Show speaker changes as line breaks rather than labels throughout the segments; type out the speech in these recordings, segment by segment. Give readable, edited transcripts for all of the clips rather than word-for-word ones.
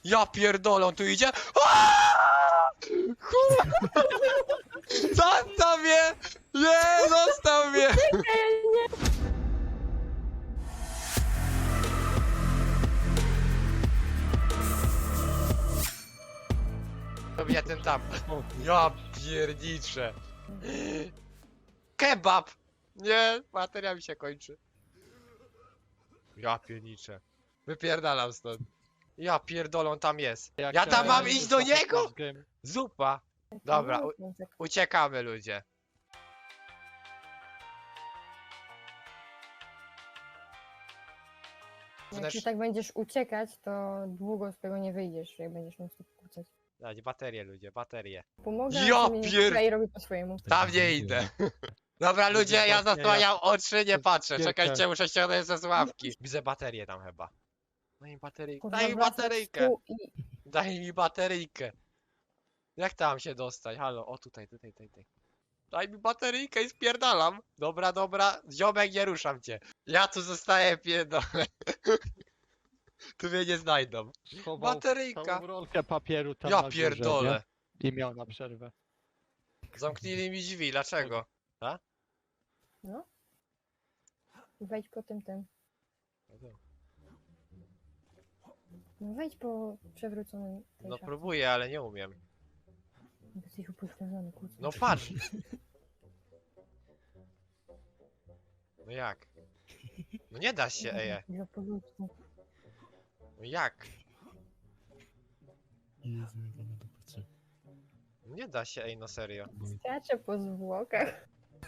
Ja pierdolę, on tu idzie. Aaaa! Kurwa! Zostaw mnie! Nie, zostaw mnie! Robię ten tam. Ja pierniczę. Kebab! Nie, bateria mi się kończy. Ja pierniczę. Wypierdalam stąd. Ja pierdolę, on tam jest. Ja tam mam iść do niego? Zupa. Dobra, uciekamy ludzie.
Jak ty tak będziesz uciekać, to długo z tego nie wyjdziesz, jak będziesz non stop kłócać.
Dać baterie ludzie, baterie.
Pomogę,
Ja
a ty mnie
pier-
nie i robi po swojemu.
Tam nie idę. Dobra ludzie, ja zasłaniam oczy, nie patrzę.
Wielka.
Czekajcie, muszę ściągnąć ze sławki. Widzę baterię tam chyba. Daj mi bateryjkę.
Kurwa,
Daj mi
wracasz
bateryjkę.
tu i-
Daj mi bateryjkę. Jak tam się dostać? Halo, o tutaj. Daj mi bateryjkę i spierdalam. Dobra, ziomek, nie ruszam cię. Ja tu zostaję, pierdolę. Tu mnie nie znajdą.
Schował
Bateryjka.
całą rolkę papieru tam
Ja
na górze,
pierdolę.
nie? I miał na przerwę.
Zamknęli mi drzwi, dlaczego?
No. Wejdź po tym. No wejdź po przewróconym. tej
No
szafce.
próbuję, ale nie umiem.
Jesteś upośledzony, kłócę.
No patrz. No jak? No nie da się,
Za po ludzku.
No jak?
Jezu, jak ona to patrzy.
No nie da się, no serio.
Skacze po zwłokach.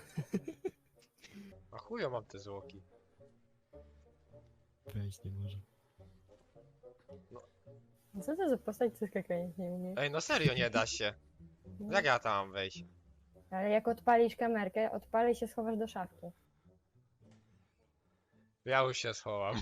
A chujo mam te zwłoki.
Wejść nie może.
Co to za postać, co skakać nie umie?
No serio nie da się. Jak ja tam mam wejść?
Ale jak odpalisz kamerkę, odpal i się schowasz do szafki.
Ja już się schowam.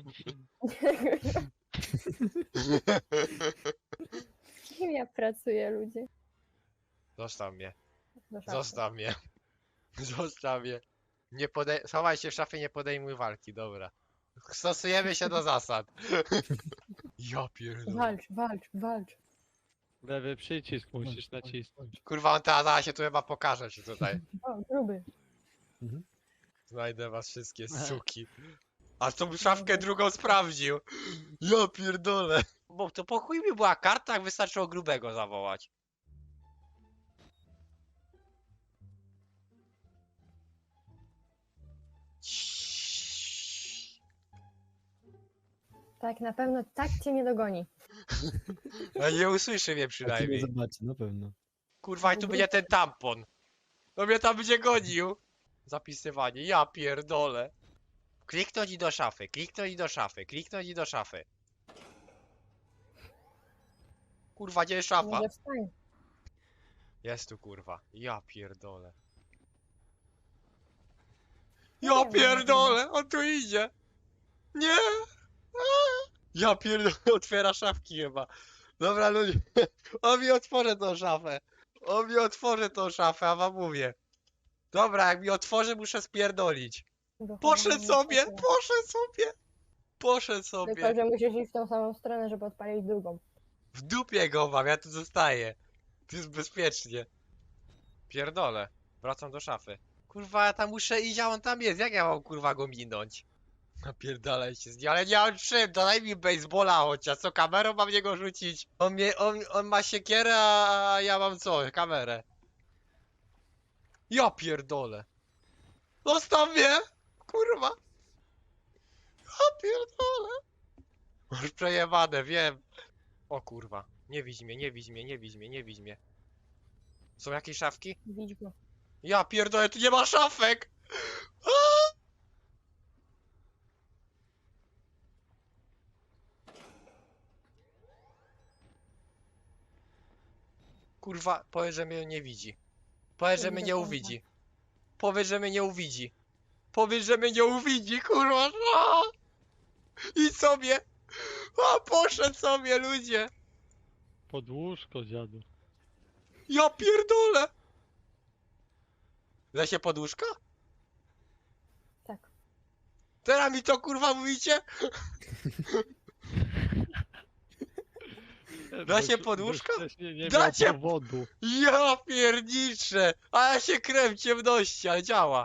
Kim ja pracuję, ludzie?
Zostaw mnie.
Do szafki.
Zostaw mnie. Zostaw mnie. Nie schowaj się w szafie, nie podejmuj walki, dobra. Stosujemy się do zasad. Ja pierdolę.
Walcz.
Lewy przycisk musisz nacisnąć.
Kurwa, on teraz się tu chyba pokaże ci tutaj.
O, gruby.
Znajdę was wszystkie suki. A tą szafkę drugą sprawdził. Ja pierdolę. Bo to po chuj mi była karta, jak wystarczyło grubego zawołać.
Tak, na pewno tak cię nie dogoni.
A nie usłyszy mnie
A ty
przynajmniej.
mnie zobaczy, na pewno.
Kurwa, i tu będzie ten tampon. No mnie tam będzie gonił. Zapisywanie, ja pierdolę. Kliknąć i do szafy, kliknąć i do szafy, kliknąć i do szafy. Kurwa, gdzie jest szafa?
Może wstań.
Jest tu kurwa, ja pierdolę. Ja pierdolę, on tu idzie. Nie. A! Ja pierdolę, otwiera szafki chyba. Dobra ludzie, on mi otworzy tą szafę. On mi otworzy tą szafę, a wam mówię. Dobra, jak mi otworzy, muszę spierdolić. Poszedł sobie, poszedł sobie.
Tylko, że musisz iść w tą samą stronę, żeby odpalić drugą.
W dupie go mam, ja tu zostaję. Tu jest bezpiecznie. Pierdolę. Wracam do szafy. Kurwa, ja tam muszę iść, a on tam jest. Jak ja mam kurwa go minąć? Napierdalaj się z nim, ale nie mam czym, daj mi baseballa chociaż, co kamerą mam niego rzucić? On ma siekierę, a ja mam co? Kamerę. Ja pierdolę. Zostaw mnie! Kurwa! Ja pierdolę! Masz przejebane, wiem. O kurwa. Nie widź mnie. Są jakieś szafki?
Widź go.
Ja pierdolę, tu nie ma szafek! A! Kurwa, powiedz, że mnie nie widzi. Powiedz, że mnie nie uwidzi. Powiedz, że mnie nie uwidzi. Powiedz, że mnie nie uwidzi, kurwa. A! Idź sobie. A, poszedł sobie, ludzie.
Pod łóżko, dziadu.
Ja pierdolę. Lesie poduszka?
Tak.
Teraz mi to kurwa mówicie? Dacie
Bo
poduszko?
wcześniej nie
Dacie-
miał powodu.
Ja pierniczę! A ja się krem w ciemności, ale działa.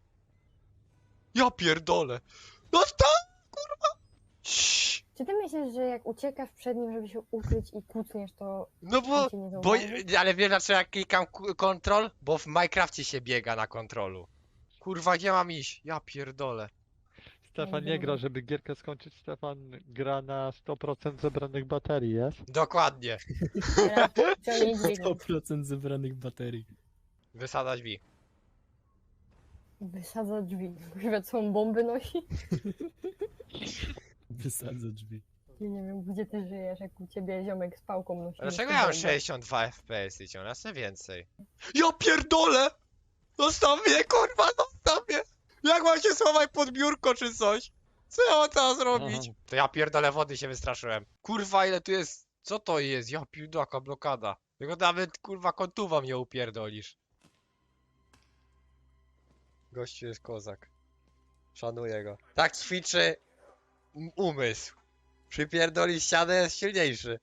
Ja pierdolę. No tak, kurwa! Ciii.
Czy ty myślisz, że jak uciekasz przed nim, żeby się ukryć i kucniesz, to
No bo,
on cię nie zauważy?
ale wiesz dlaczego jak klikam kontrol? Bo w Minecrafcie się biega na kontrolu. Kurwa, gdzie mam iść? Ja pierdolę.
Stefan nie gra, żeby gierkę skończyć. Stefan gra na 100% zebranych baterii, jest?
Dokładnie.
Teraz ciągnij dźwignię.
100% zebranych baterii.
Wysada drzwi.
Wysadza drzwi. Chyba co on bomby nosi?
Wysadzę drzwi.
Ja nie wiem, gdzie ty żyjesz, jak u ciebie ziomek z pałką nosi.
Dlaczego
nosi
ja mam
bombę.
62 FPS i ciągle chcę więcej? Ja pierdolę! Zostaw mnie, kurwa, zostaw mnie! Jak mam się schować pod biurko czy coś? Co ja mam teraz robić?
Aha.
To ja pierdolę, wody się wystraszyłem. Kurwa, ile tu jest? Co to jest? Ja pierdolę, jaka blokada. Tylko nawet, kurwa, kontuwa mnie upierdolisz. Gościu jest kozak. Szanuję go. Tak ćwiczy umysł. Przypierdoli ścianę, jest silniejszy.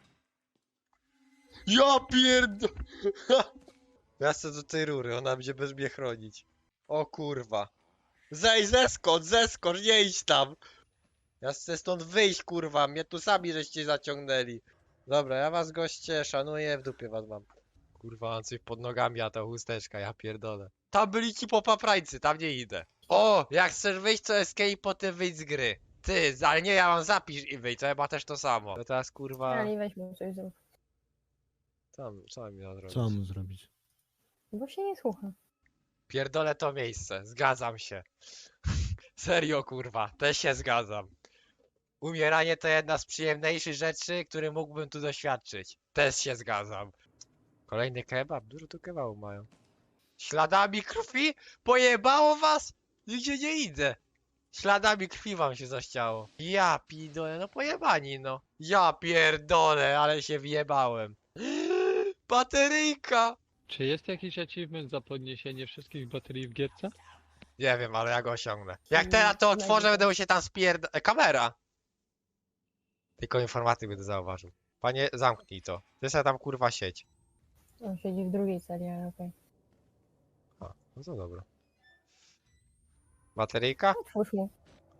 Ja pierdolę! Ja chcę do tej rury, ona będzie bez mnie chronić. O kurwa. Zeskocz, nie idź tam. Ja chcę stąd wyjść, kurwa, mnie tu sami żeście zaciągnęli. Dobra, ja was goście szanuję, w dupie was mam. Kurwa, mam coś pod nogami, a to chusteczka, ja pierdolę. Tam byli ci popaprańcy, tam nie idę. O, jak chcesz wyjść, to escape, potem wyjść z gry. Ty, ale nie, ja mam zapisz i wyjść, to chyba też to samo. To teraz kurwa...
Ali, weź mu coś zrób.
Co mam miał zrobić?
Co mam mu zrobić?
Bo się nie słucha.
Pierdolę to miejsce, zgadzam się. Serio kurwa, też się zgadzam. Umieranie to jedna z przyjemniejszych rzeczy, które mógłbym tu doświadczyć. Też się zgadzam. Kolejny kebab? Dużo tu kebabu mają. Śladami krwi? Pojebało was? Nigdzie nie idę. Śladami krwi wam się zaściało. Ja pierdolę, no pojebani no. Ja pierdolę, ale się wjebałem. Bateryjka!
Czy jest jakiś achievement za podniesienie wszystkich baterii w gierce?
Nie wiem, ale ja go osiągnę. Jak
Mm,
teraz to
nie
otworzę,
wiem.
będę mu się tam kamera! Tylko informatyk będę zauważył. Panie, zamknij to. Ty sobie tam kurwa sieć.
On siedzi w drugiej celi, ale okej.
A, no to dobra. Bateryjka?
Otwórz mu.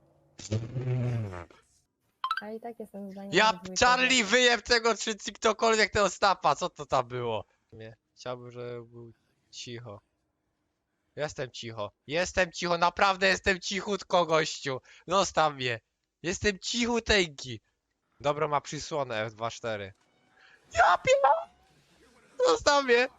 A i tak jestem zdania.
Ja, Charlie, wyjeb tego, czy ktokolwiek tego stapa. Co to tam było? Nie, chciałbym, żeby był cicho. Jestem cicho. Jestem cicho, naprawdę jestem cichutko, gościu. Zostaw mnie. Jestem cichuteńki. Dobro ma przysłonę F24. Ja pierdolę! Zostaw mnie!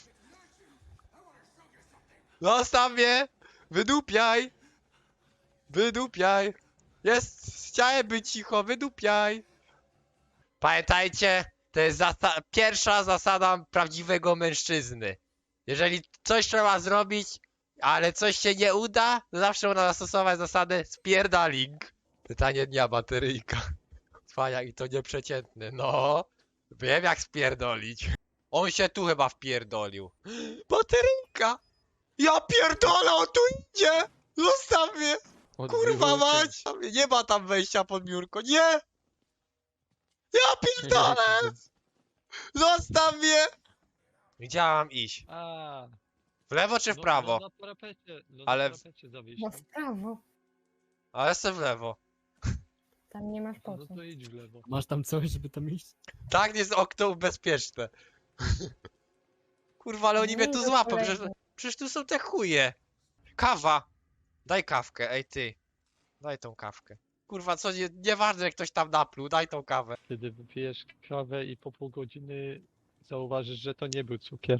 Zostaw mnie! Wydupiaj! Wydupiaj! Chciałem być cicho, wydupiaj! Pamiętajcie, to jest pierwsza zasada prawdziwego mężczyzny. Jeżeli coś trzeba zrobić, ale coś się nie uda, to zawsze można zastosować zasadę spierdaling. Pytanie dnia, bateryjka. Cwaniak i to nieprzeciętny, no. Wiem jak spierdolić. On się tu chyba wpierdolił. Bateryjka! Ja pierdolę, on tu idzie! Zostaw mnie! Kurwa mać! Nie ma tam wejścia pod biurko, nie! Ja pierdolę! Zostaw mnie! Gdzie ja mam iść?
A,
W lewo czy w prawo?
No na parapecie, no
Ale-
na parapecie zawieź.
No w prawo.
Ale jestem w lewo.
Tam nie masz po
No
co.
to idź w lewo.
Masz tam coś, żeby tam iść?
Tak jest okno bezpieczne. Kurwa, ale oni mnie tu
Nie,
złapią,
to
przecież tu są te chuje. Kawa! Daj kawkę, ej ty. Daj tą kawkę. Kurwa, co nieważne, jak ktoś tam napluł, daj tą kawę.
Kiedy wypijesz kawę i po pół godziny zauważysz, że to nie był cukier.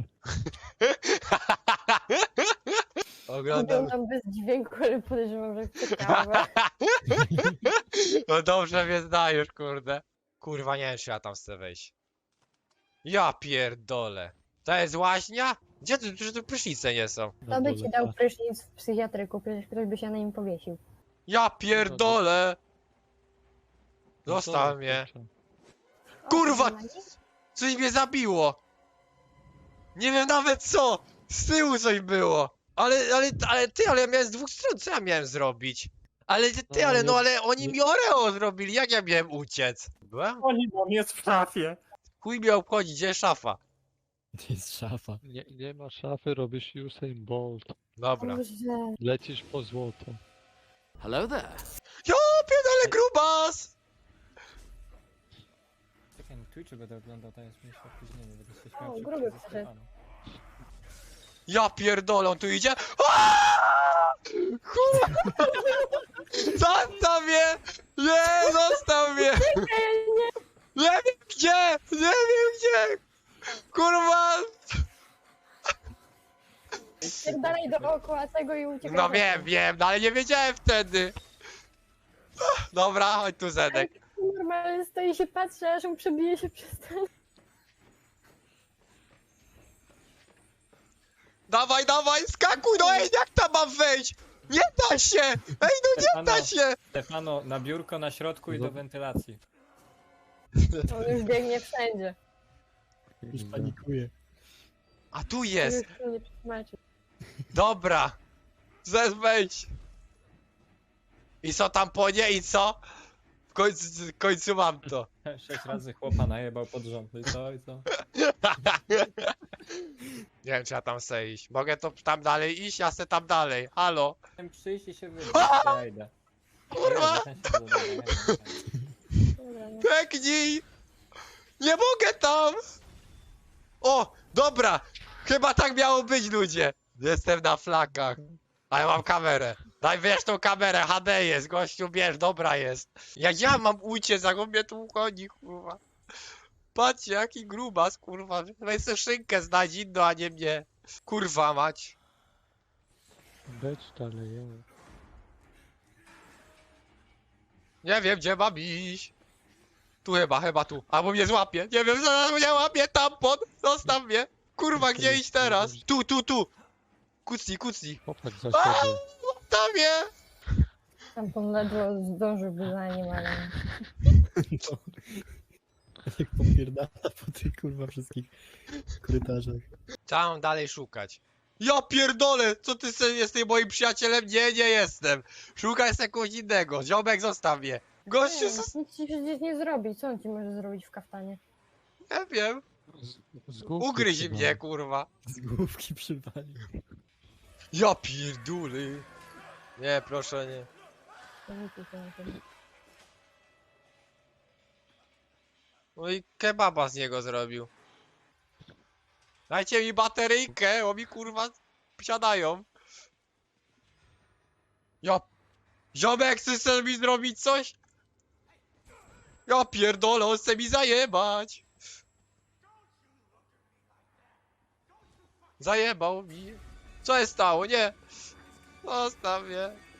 Oglądam.
Oglądam bez dźwięku, ale podejrzewam, że chce kawę.
No dobrze mnie znajesz, kurde. Kurwa, nie wiem, czy ja tam chcę wejść. Ja pierdolę. To jest łaźnia? Gdzie tu, tu prysznice nie są?
To by ci dał prysznic w psychiatryku, przecież ktoś by się na nim powiesił.
Ja pierdolę!
No to
Zostaw mnie.
kurczę.
O,
Kurwa!
to na nim?
Coś mnie zabiło! Nie wiem nawet co! Z tyłu coś było! Ale ty, ale ja miałem z dwóch stron, co ja miałem zrobić? Ale ty,
No,
ale no
nie-
ale oni
nie-
mi Oreo zrobili, jak ja miałem uciec? Byłem?
Oni do mnie w szafie.
Chuj mnie obchodzi, gdzie jest szafa?
To jest szafa.
Nie ma szafy, robisz Usain Bolt.
Dobra.
Boże.
Lecisz po złoto.
Hello there.
Jo, pierdolę grubas!
Czekaj, na Twitchu będę oglądał, tam jest mniejsze opóźnienie, będę się
O,
śmiał
gruby
szybciej ze
przyszedł.
Stefanem.
Ja pierdolę, on tu idzie. Aaaa! Kurwa! Zostaw mnie! Nie, zostaw mnie! Nie wiem gdzie! Nie wiem gdzie! Kurwa!
Dalej dookoła tego i uciekaj.
No wiem, no ale nie wiedziałem wtedy. Dobra, chodź tu Zedek.
Normalnie stoi i się patrzy, aż mu przebije się przez ten.
Dawaj, dawaj, skakuj, no ej, jak tam mam wejść? Nie da się! Ej, no nie da się!
Stefano, na biurko na środku i do wentylacji.
On już biegnie wszędzie.
Już panikuje.
A tu jest!
Już się nie przetłumaczy.
Dobra! Wejdź! I co tam po nie i co? W końcu mam to.
6 razy chłopa najebał pod rząd. I co, i co?
Nie wiem, czy ja tam chcę iść. Mogę to tam dalej iść? Ja chcę tam dalej. Halo?
Chciałem przyjść i się wybrać, to ja idę.
Kurwa!
Dobra.
Dobra, no.
Peknij! Nie mogę tam! O, dobra! Chyba tak miało być, ludzie. Jestem na flakach. Ale mam kamerę. Daj, wiesz tą kamerę, HD jest, gościu, bierz, dobra jest. Jak ja mam uciec, jak on mnie tu uchodzi, kurwa. Patrzcie, jaki grubas, kurwa. Weź sobie szynkę znajdź inną, a nie mnie. Kurwa mać.
Becz dalej, ja.
Nie wiem, gdzie mam iść. Tu chyba tu. Albo mnie złapie. Nie wiem, zaraz mnie łapie tampon. Zostaw mnie. Kurwa, gdzie iść teraz? Tu. Kucnij.
Popatrz za
A!
siebie.
Zostaw mnie.
Tam ledwo zdążyłby za nim, ale...
No. Jak popierdala po tych kurwa wszystkich korytarzach.
Co mam dalej szukać? Ja pierdolę! Co ty sobie jesteś moim przyjacielem? Nie jestem. Szukaj kogoś innego. Ziomek, zostaw mnie. Gościu,
Nie, nic ci przecież nie zrobi. Co on ci może zrobić w kaftanie?
nie wiem.
Z główki
Ugryź
trzymaj.
mnie, kurwa.
Z główki przywalił.
Ja pierdolę. Nie, proszę nie.
To nic ci się na tym.
No i kebaba z niego zrobił. Dajcie mi bateryjkę, bo mi kurwa siadają. Ja... Ziomek, chcesz sobie mi zrobić coś? Ja pierdolę, on chce mi zajebać. Zajebał mi. Co jest stało? Nie. Zostaw mnie.